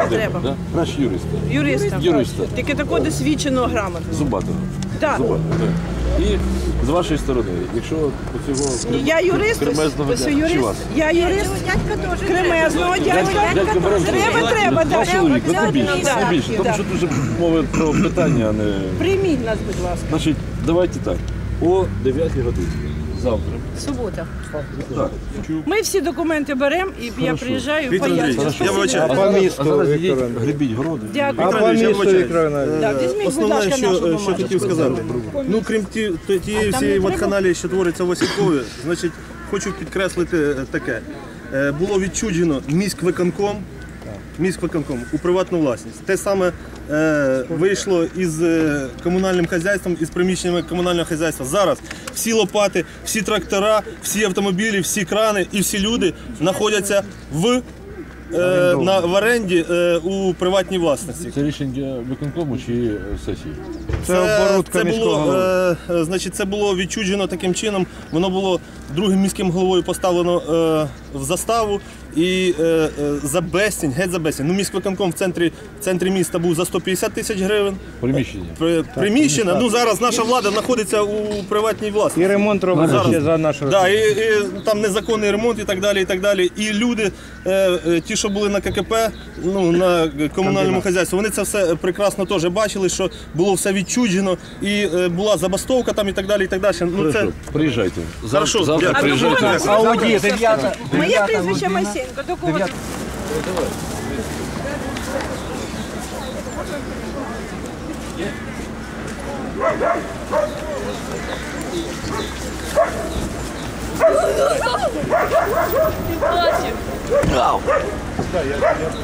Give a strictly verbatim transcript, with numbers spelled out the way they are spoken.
Треба. Да? Наш юрист. Юриста. Юриста. Тільки такого досвідченого, грамотного. Зубатого. Так. Зубатого, так. І з вашої сторони, якщо по цього Я юрист, кремезного ось дядька, юрист, чи вас? я юрист кремезного дядька. Дядька бере. Треба, треба, Ваш так. чоловік, ну, не більше, Да, не більше. Тому да. що дуже мова про питання, а не... Прийміть нас, будь ласка. Значить, давайте так. О дев'ятій годині. Завтра. Субота. Так. Ми всі документи беремо, і я приїжджаю, Віктор пояснюю. Андрійович, що я всі вибачаю. робимо. А по зараз, місту, а зараз Віктор йдіть, Андрійович. гребіть городи. Дякую. А по Андрійович, я місту, вибачаюсь. Віктор Андрійович. Да, візьміть, будь Основне, ласка, нашу що, що бумажку. хотів сказати, ну крім ті, то- тієї там всієї не треба? вакханалії, що твориться в Осідкові, значить, хочу підкреслити е, таке. Е, Було відчуджено міськвиконком, міськвиконком у приватну власність. Те саме е, вийшло із е, комунальним хазяйством, із приміщеннями комунального хазяйства. Зараз всі лопати, всі трактора, всі автомобілі, всі крани і всі люди знаходяться в, е, на, в оренді е, у приватній власності. Це рішення виконкому чи е, сесії? Це оборудка це міського було, голови. е, е, значить, це було відчуджено таким чином. Воно було другим міським головою поставлено е, в заставу і е, е, за безцінь, геть за безцінь. Ну, міськвиконком в центрі, в центрі міста був за сто п'ятдесят тисяч гривень. Приміщення. При- Приміщення, ну зараз наша влада знаходиться у приватній власності. І ремонт робиться ще за нашу. Да, і, і там незаконний ремонт і так далі, і так далі. І люди, е, е, ті, що були на ККП, ну, на комунальному хазяйстві, вони це все прекрасно теж бачили, що було все відчуджено, і е, була забастовка там і так далі, і так далі. Ну, це... Хорошо, приїжджайте. Завтра, Хорошо, завтра дякую. приїжджайте. Ауді, дев'ята. Моє прізвище Масенко. До кого? ти? Ти бачив?